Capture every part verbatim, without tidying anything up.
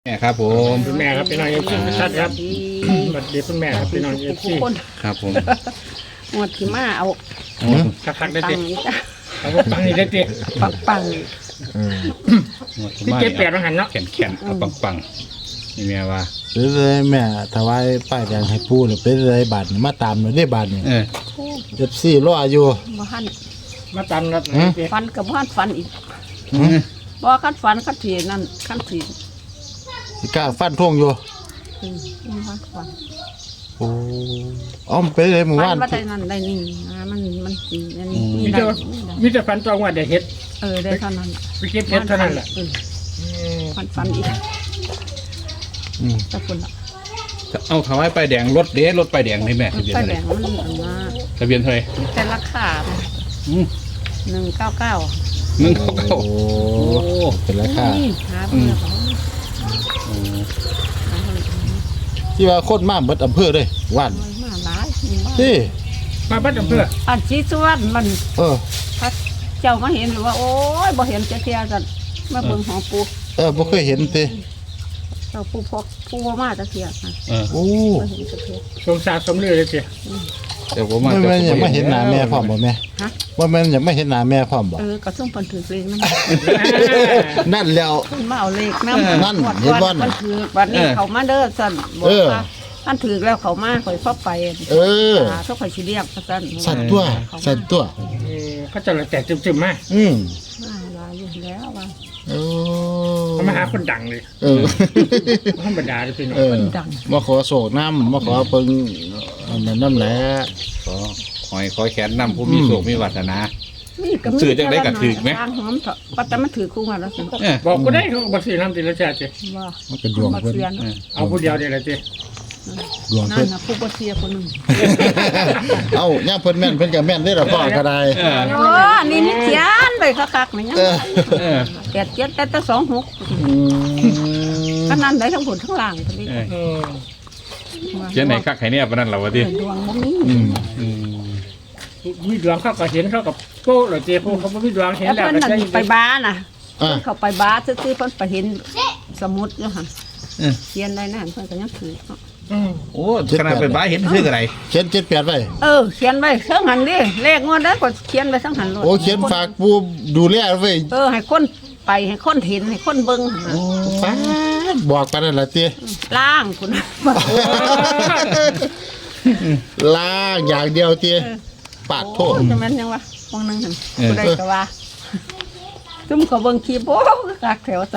แม่ครับผมคุณแม่ครับพี่น้องเอฟซีชัดครับสวัสดีคุณแม่ครับพี่น้องเอฟซีครับผมหมดที่มาเอาคักๆได้ปัติงนี่จ้ะเอาปังนี่ได้ติปังปังพี่เจ็ดแปดมาหันเนาะแข็งแข็งเอาปังปังๆนี่แม่ว่าเป็นเลยแม่ถวายป้ายแดงให้ปู่เนี่ยเป็นเลยบาทนี่มาตามเลยได้บาทนี่เออเจ็บซี่รออยู่บ่หันมาตามนัดฮะติฟันกับบ่หันฟันอีกบ่คันฟันคันทีนั่นคันทีสิกล้าฟันท่งอยู่อืมบ่หันฟันโอ้อ้อมเป็นเลยหมู่ฟับ้านนว่าได้นั่นได้นี่นะมันมันสิอันนี้มีมีแต่ได้มีแต่ฟันตรงว่าเดี๋ยวเฮ็ดเออได้เท่านั้นไปเก็บเฮ็ดเท่านั้นแหละเออฟันฟันอีกอืมแต่คนละเอาถวายไปายแดงรถเด้รถไปายแดงให้แม่ทะเบียนไฟเท่าไหแดร่งมันอันมาทะเบียนเท่าไหร่มีแต่ราคาอืมหนึ่งเก้าเก้าหนึ่งเก้าเก้าโอ้โอ้เป็นราคาหาเพื่อเขาโอ้หาเพื่อเขาที่ว่าโคตรมากเบิดอำเภอเลยว่านน้อยมาหลายมีบ้านที่มาบ้านอำเภออันชี้ส่วนมันเออพระเจ้ามาเห็นหรือว่า โอ้ยบ่เห็นจะเทียกันมาเบิ่งของปูเออบ่เคยเห็นติเจ้าปูพกปูบ่มาจะเทียกันเออโอ้บ่เห็นจะเทียสงสารสมเลือเลยติเดี๋ยวผมมาไม่แม่นอยากมาเห็นหน้าแม่พร้อมบ่แม่ฮะว่าแม่นอยากมาเห็นหน้าแม่พร้อมบ่เออก็ส่งเพิ่นถือเลขนำนั่นแล้วเพิ่นมาเอาเลขนำนั่นเห็นบ่น่ะเพิ่นถือบัดนี้เขามาเด้อซั่นบอเอก อว่าท่านถือแล้วเขามาข่อยพอไปเออหาเขาข่อยสิเรียกซั่นสั่นตัวสั่นตัวเออเขาจะแตกจึมๆมาอืมมาหลายอยู่แล้วว่าโอ้เขามาหาคนดังเลยเออธรรมดาเลยพี่น้องเออมาขอโศกน้ำมาขอเพิ่งอันนั้นน้ำแหละขอหอยคอยแขนนำผู้มีโศกมีวาสนานี่ก็มีซื้อจังได้ก็ถือไหมทางหอมเถอะปัตตามันถือคู่มาแล้วสิเออบอกกูได้เขาบอกสิน้ำติละชาติว่ามันก็ดวงมาเพิ่นเสียนเออเอาผู้เดียวเดี๋ยวละติดวงนั่เพิ่นนน่ะผู้บ่เสียคนหนึงเอ้าย่างเพิ่นแม่นเพิ่นก็แม่นได้ละพ่อก็ได้เออโอ้นี่นี่เขียนไปคักๆนี่ยังเออเออแปดเจ็ดแต่แต่สองหกอืมขนาดไหนทั้งบนทั้งล่างก็ได้เออเออเขียนไหนคักไข่เนี่ยปะนั่นเหรอวะเอดิอดวงบ่มีอืมอืมมีดวงเขาก็เห็นเขากับโก้เหรอเจ้พวกเขาไม่มีดวงเห็นแล้วแล้วเพิ่นก็นั่นใช่ไปบ้าน่ะอ่ะเพิ่นเข้าไปบ้าซื่อๆเพิ่นไปเห็นสมุดอยู่หั่นเออเขียนได้นั่นเพิ่นก็ยังถือเนาะอืมโอ้ขนาดไปบ้าเห็นชื่ออะไรเขียนเจ็ดแปดไว้เออเขียนไว้เทั้งหันดิเลขงวดนั้นก็เขียนไว้ทั้งหันโลดโอ้เขียนฝากผู้ดูแลไว้เออให้คนไปให้คนเห็นให้คนเบิ่งหั่นน่ะโอ้ฟ้าดบอกไปนั่นล่ะติล่างคุณล้างอย่างเดียวติปาดโทษจะแม่นยังวะวงหนึงหั่นผู้ใดก็ว่าซุ่มเขาเบิ่งคลิปโอ้คักแถวซั่น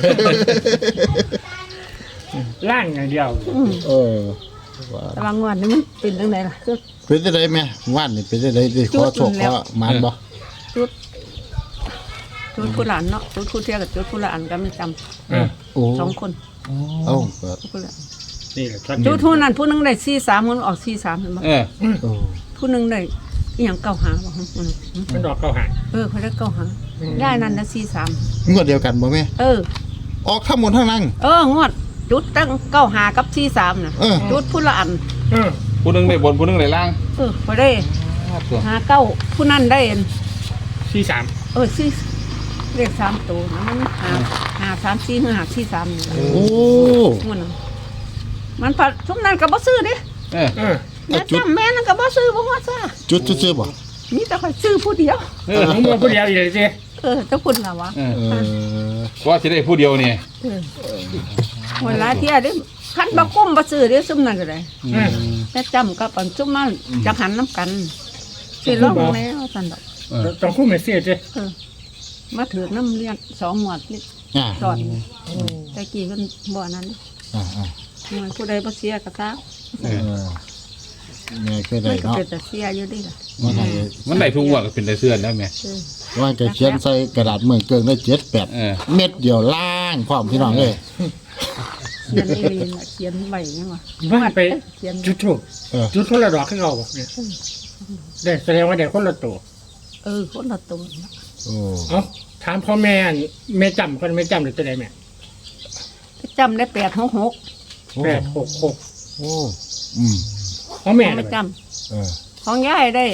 ล่างอย่างเดียวอืมเออว่าแต่ว่างวดนี้มันเป็นจังไดล่ะคือเป็นจังไดแม่ว่านนี่เป็นจังไดสิขอโชคขอหมานบ่จุดจุดผู้หลานเนาะจุดผู้เที่ยวกับจุดผู้หลานก็ไม่จำเออโอ้สองคนเอ้าก็จุดผู้หลานนี่แหละชัดจุดผู้นั้นผู้หนึงได้สี่สามคนออกสี่สามเห็นบ่เออโอ้ผู้หนึงได้อีหยังเก้าหาบ่ฮะอืมมันดอกเข้าหาเออเขาได้เก้าหาได้นั่นนะสี่สามงวดเดียวกันบ่แม่เออออกทั้งหมดทั้งนั้นเอองวดจุดตั้งเก้าหากับสี่สามน่ะเออจุดผู้ละอันเออผู้หนึงได้บนผู้หนึงได้ล่างเออพอได้ตัวหาเก้าผู้นั้นได้อันสี่สามเออสี่เลขสามตัวนะมันหาหาสามสี่หรือหาสี่สามนี่โอ้งวดนั้นมันพัดทุกนั้นก็บ่ซื้อเดิเออเออแม่จำแม่นั่นก็บ่ซื้อบ่ฮอดซ่าจุดซื่อๆบ่มีแต่คอยซื้อผู้เดียวเออผมบอกผู้เดียวอีกเลยเจ้เออเจ้าคุณล่ะวะเออเออว่าจะได้ผู้เดียวเนี่ยเออเวลาเที่ยเด้คันบ่กุ้มบ่ซื้อเด้ซุ่มนั่นก็ได้เออแม่จำกับอันซุ่มมาจังหันน้ำกันสิลองแล้วซั่นดอกเออต้องคู่เมสเซ่เจ้เออมาถือน้ำเลี้ยงสองหมวดนี่อ่าสอนแต่กี้เพิ่นบ่นั้นอ่าอ่ามันผู้ใดบ่เสียก็ตามเอเอออแม่เคยมัได้นก็เนาะเป็นแต่เสียอยู่ดิล่ะว่าไงมันได้ทุกงวดก็เป็นได้เสื้อแล้วแม่เออว่าจะเขียนใส่กระดาษเมืองเกิงได้เจ็ดแปดเออเม็ดเดียวล่างพร้อมพี่น้องเลยเขียนอีหลีน่ะเขียนไว้ยังวะว่าไปเขียนจุดถูกเออจุดคนละดอกขึ้นเอาบอกเนี่ยได้แสดงว่าได้คนละตัวเออคนละตัวโอ้เอ้าถามพ่อแม่แม่จำคนแม่จำหรือจะได้แม่จำได้แปดหกหกแปดหกหกโอ้อืมพ่อแม่ไม่จเออำของยายได้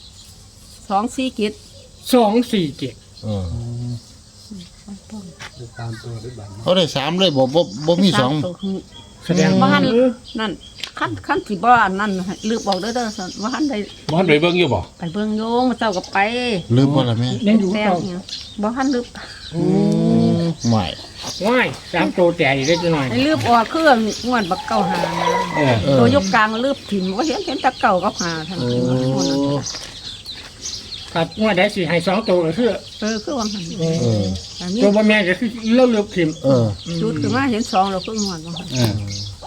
สองสี่กิจสองสี่เจ็ดเออเขาได้สามเลยบ่บ่บ่มีสองตัวคือแสดงบ้าว่านนั่นขั้นขั้นที่บ้านนั่นลืมบอกเด้อเด้อสันว่าหันได้บ่ทันไปเบิ่งอยู่บ่ไปเบิ่งโยงมาเจ้าก็ไปลืมบ่ล่ะแม่ยังอยู่แซงเก่าเนี่ยบ่หันลืมไม่ว้ายสามตัวแต่อีกเล็กน้อยไอ้ลืมออกเครื่องงวดบักเก่าหาเออเออตัวยกกลางลืมถิ่มว่าเห็นเห็นแตะเก่ากับหาทั้งโอ้นั้นครับว่าได้สิให้สองตัวก็คือเออคือว่าหันเอออันนี้ตัวบ่แม่ก็คือเลือกเลือกทิมเออจุดคือมาเห็นสองเราเพิ่งงวดว่าหันเออ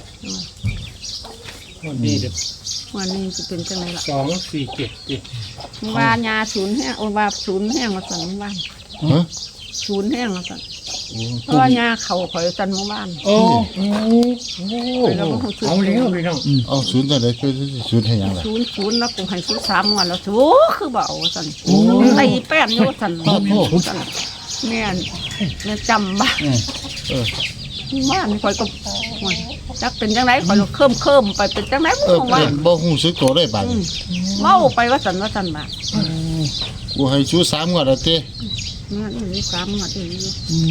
มันดีเด็ดวันนี้จะเป็นจังไงล่ะสองสี่เจ็ดดิว่ายาศูนย์แห้งโอ้ว่าศูนย์แห้งมาสั่นเมื่อวานฮะศูนย์แห้งมาสั่นเพราะว่ายาเข่าข่อยสั่นเมื่อวานโอ้โหไปแล้วก็ซื้อเอาเลี้ยวพี่น้องเอาศูนย์ตัวใดช่วยศูนย์ให้หยังล่ะศูนย์ศูนย์แล้วกูให้ซื้อสามวันแล้วโถคือเบเอาสั่นตีแป้นโยสั่นโอ้โหสั่นแม่นแม่จำบ้าเออบ้านข่อยก็ม่วนจักเป็นจังไดข่อยก็เคิมเคิมๆไปเป็นจังไดเออบ่ว่าเป็นบ่ฮู้สึกตัวได้บาดอืมเมาไปว่าสั่นว่าสั่นบ่ากูให้ชูสามงวดแล้วเต้นั่นนี่สามงวดนี่อยู่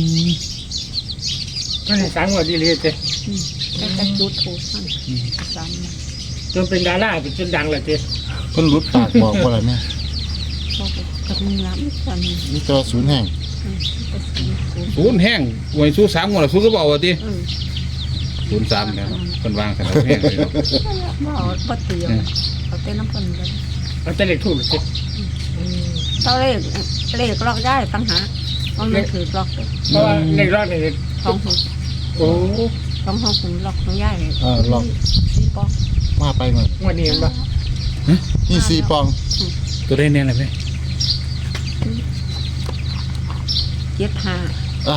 ก็ในสามวันดีเลยเจ้อืมแต่แต่จุดถูกสั่นสามงวดจนเป็นดาราเป็นจนดังเลยเจ้เพิ่นหลุดปากบอกว่าอะไรแม่เขาก็กับมีน้ำสั่นมีตัวศูนย์แห่งอืมก็ศูนย์ศูนย์ศูนย์แห้งหวยสู้สามงวดแล้วสู้ก็บ่เอาว่าติอืมศูนย์สามเนี่ยเพิ่นวางซั่นแล้วแห้งเลยเนาะบ่เอาบ่เตียวเอาแต่น้ำเพิ่นเลยเอาแต่เล็กถูกเลยเจ้เท่าเลขเลขล็อกได้ตั้งหามันไม่ถือล็อกเลยเพราะว่าเล็กรอดเนี่ยสองหกโอ้สองหกถึงล็อกของย่ายเออลองสี่ปอกมาไปหมดวันนี้เห็นปะนี่สี่ปองตัวได้แน่เลยไหมเจ็ดห้าอ่า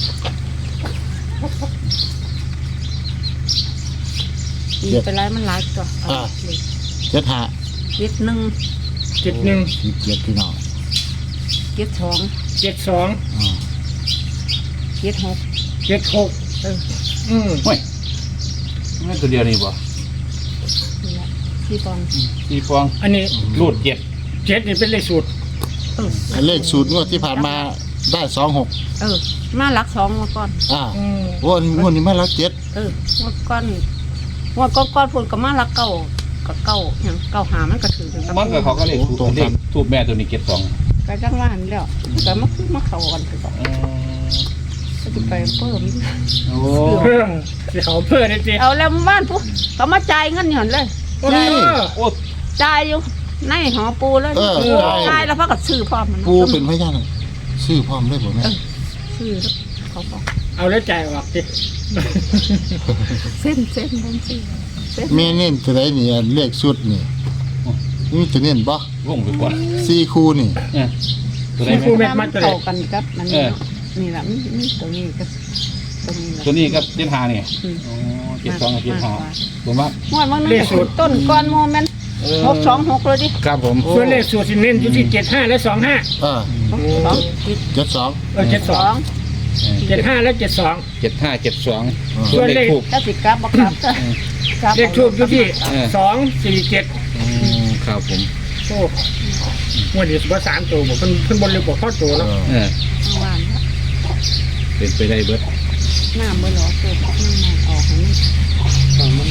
อีกเป็นไรมันหลายตัวอ่า เจ็ดห้าเจ็ดหนึ่งเจ็ดหนึ่งสี่เจ็ดพี่น้องเจ็ดสองเจ็ดสองอ่าเจ็ดหกเจ็ดหกเอออืมโอ้ยนั่นตัวเดียวนี่บ่นี่แหละสี่ปองสี่ฟองอันนี้รูดเจ็ดเจ็ดนี่เป็นเลขสูตรเออไอ้เลขสูตรงวดที่ผ่านมาได้สองหกเออ มาหลักสองมาก่อนอ่าอืมโอ้งวดนี้มาแล้วเจ็ดเออมาก่อนว่าก้อนก้อนพูดกับมาหลักเก้ากับเก้าอย่างเก้าหามันก็ถือเป็นมันก็เขาก็เลขทูบเลขทูบแม่ตัวนี้เจ็ดสองก็จังว่าหันแล้วแต่มาคือมาเข้ากันคือต่อก็จะไปเพิ่มโอ้เพิ่มสิเขาเพิ่มเลยเจ้เอาแล้วบ้านปุ๊บก็มาจ่ายเงินหย่อนเลยโอ้โอ้จ่ายอยู่ในหอปูเลยเออจ่ายแล้วพักกับซื้อพร้อมมันปูเป็นพยานซื้อพร้อมได้บ่แม่ซื้อเขาบอกเอาแล้วจ่ายออกเจ้เส้นเส้นบนซื้อเส้นแม่เน้นตัวใดนี่อันเลขสุดนี่นี่จะเน้นบ่วงไปก่อนสี่คู่นี่เออตัวได้สี่ไหมคู่เม็ดมัดตัวไหนเข้ากันกับมันนี่นี่แหละนี่ตัวนี้ก็ตัวนี้ตัวนี้ก็เจ็ดห้านี่โอ้เจ็ดสองกับเจ็ดห้าผมว่างวดวันนึงต้นก้อนโมเมนต์หกสองหกเลยดิครับผมส่วนเลขสูตรสิเน้นอยู่ที่เจ็ดห้าและสองห้าอ่าสองเจ็ดสองเออเจ็ดสสออง งเจ็ดห้าและเจ็ดสองเจ็ดห้าเจ็ดสองอ่าส่วนเลขทูบถ้าสิกลับบักลับจ้ะเลขทูบอยู่ที่สองสี่เจ็ดครับผมโอ้งวดนี้สุภาษามตัวบอกเพิ่นเพิ่นบนเรือบอกข้อตัวเนาะเออข้างล่างเป็นไปได้เบิดหน้าเมื่อหลอตัวน้ำออกให้มัน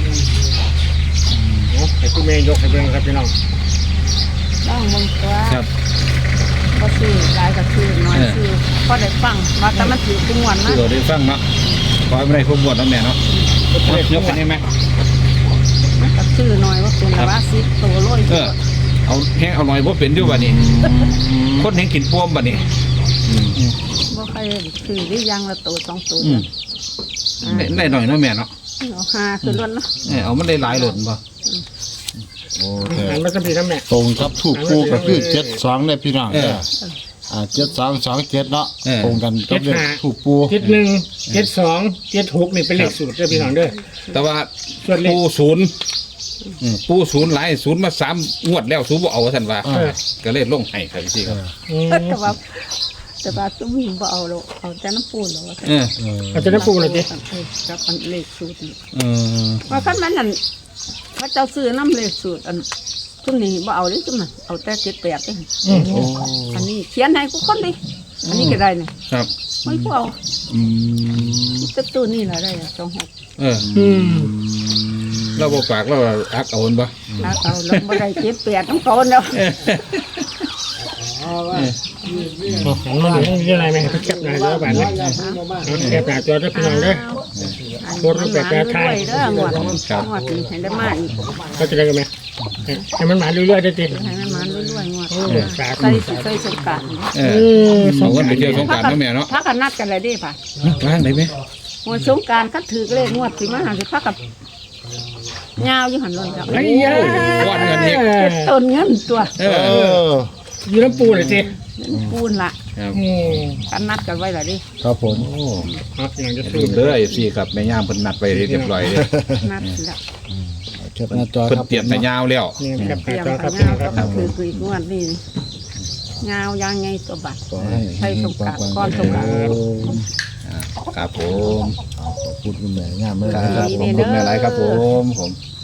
โอ้ให้คุณแม่ยกให้เบิ่งครับพี่น้องต้องมึงตัวครับก็ซื้อหลายก็ซื้อน้อยซื้อพอได้ฟังว่าแต่มันถือกุ้งวันที่นะเราได้ฟังเนาะขอให้ไม่ได้ขบวนน้ำแม่เนาะยกไปได้ไหมมันก็ซื้อน้อยว่าเป็นว่าสิบตัวร้อยเออเอาแห้งเอาหน่อยบ่เป็นอยู่บัดนี้คนเห็นกินป้วมบัดนี้บ่ใครซื้อได้ยังละตัวสองตัวอืมได้หน่อยเนาะแม่เนาะเอาห้าคือล้วนนะเออเอามันได้หลายหล่นบ่โอเคอันมันก็มีน้ำแม่ตรงกับถูกคู่ก็คือเจ็ดสองได้พี่น้องเด้ออ่าเจ็ดสองสองเจ็ดเนาะตรงกันกับเลขถูกปูเจ็ดหนึ่งเจ็ดสองเจ็ดหกนี่เป็นเลขสูตรเด้อพี่น้องเด้อแต่ว่าส่วนเลขปูศูนย์อืมปูศูนย์หลายศูนย์มาสามงวดแล้วศูนย์บ่เอาท่านว่าอ่าก็เลยลงให้ครับพี่ครับอืมแต่ว่าแต่ว่าตุ้มหิงบ่เอาหรอกเอาแต่น้ำปูนหรอกเออเออเอาจะได้ปูเลยจิกับอันเลขสูตรนี่เออว่าคันมันนั่นพระเจ้าซื้อน้ำเลขสูตรอันทุนนี้บ่เอาเลยจุ่มน่ะเอาแต่เจ็ดแปดเองอืมโอ้อันนี้เขียนให้กูคนดิอันนี้ก็ได้เนี่ยครับไม่พอเอาอืมจะตัวนี่แหละได้สองหกเอออืมเราบ่ปากเราอักเอาบ่แล้วเอาลงมาได้เจ็บเปียกต้องโกนแล้วหันมาดูนี่อะไรไหมแคปหน้าจอแบบนี้แคปหน้าจอได้พี่น้องเด้อ โคตรแปลกแปลกไทยเด้องวดงวดนี้ให้ได้มาอีกก็จะได้กันไหมให้มันมาเรื่อยๆได้ติให้มันมาเรื่อยๆงวดโอ้สาธุใส่ใส่สงกรารเออเอากันไปเที่ยวสงกรานต์เนาะแม่เนาะพักกันนัดกันเลยดิป่ะล้างได้ไหมงวดสงกรารคัดถือเลขงวดสิมาหาสิพักกับยาวอยู่หันลนครับไอ้ยาก้อนเงินอีกต้นเงินตัวเอเออออยู่น้ำปูเลยสิปูนละครับอืมกันนัดกันไว้ละดิครับผมโอ้ครับอย่างจะลืซื้อมเด้อไอ้ซี่ครับแม่ย่ามเพิ่นนัดไปเรียบร้อยเลยนัดละแคปหน้าจอเพิ่นครับเตรียมแต่ยาวแล้วนี่แคปหเตรีน้ายมจอกัครับนพี่น้ยาอวงคก็รับคือคืองวดนี่ยาวยางไงตัวบัตรขอให้ให้สงกรานต์ก่อนสงกรานต์ครับผมขอบคุณคุณแม่งามเลยคนะครัรับบ ผมคุณแม่ไรครับผมผม